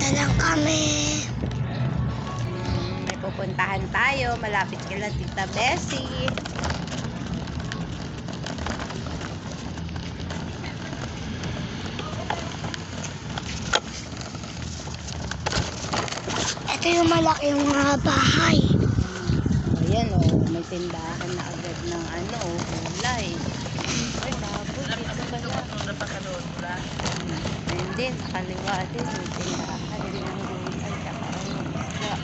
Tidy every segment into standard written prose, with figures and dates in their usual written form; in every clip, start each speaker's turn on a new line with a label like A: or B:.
A: Punta lang kami.
B: May pupuntahan tayo. Malapit kila Tita Bessie.
A: Ito yung malaki yung mga bahay.
B: Ayan may tindahan na agad ng gulay. Ay, baboy. Dito pala. Ayun din, sa kaliwa din. May tindahan din ng gulay. Tsaka isda.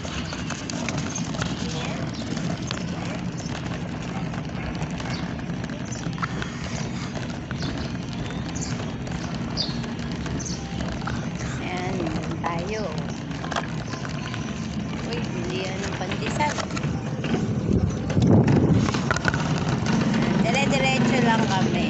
B: Ayan, meron tayo. Uy, bilihan ng pandesal. Dire-diretso lang kami.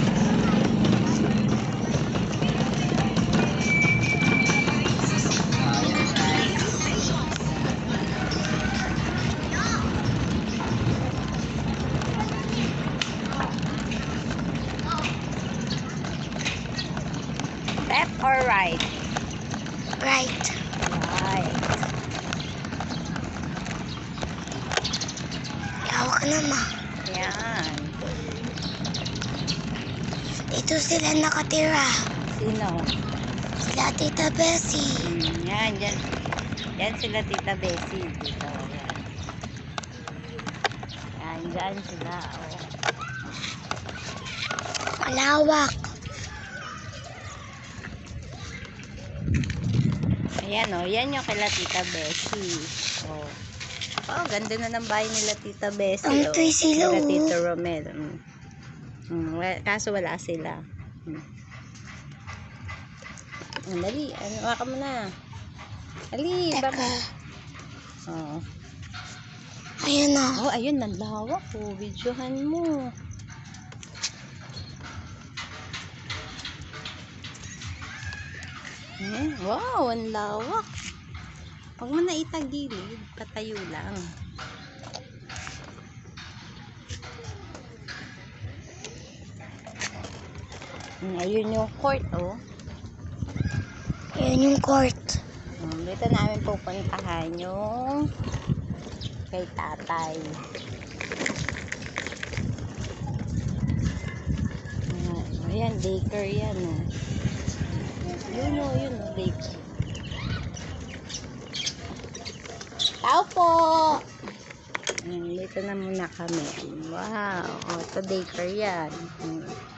B: Left or right?
A: Right.
B: Right.
A: Yawa ka naman.
B: Yan.
A: Dito sila nakatira.
B: Sino?
A: Sila Tita Bessie.
B: Yan, dyan. Yan sila Tita Bessie. Dito. Yan. Yan, dyan sila. Oh.
A: Malawak.
B: Ayan yan yung kila Tita Bessie. Oh. Oh, ganda na ng bahay nila Tita Bessie.
A: Ang tuy sila.
B: Nila Tita Romel. Kaso wala sila. Dali, waka mo na. Dali,
A: Teka.
B: Oh.
A: Ayun na.
B: Oh, ayun, nanlawak. Oh, videohan mo. Wow, ang lawak. Huwag mo na itagilid, patayo lang. Ayun yung court, oh.
A: Ayun yung court.
B: Dito namin pupuntahan yung kay tatay. Ayan, daycare yan, oh. Yun, daycare. Tao po! Dito na muna kami. Wow, ito daycare yan.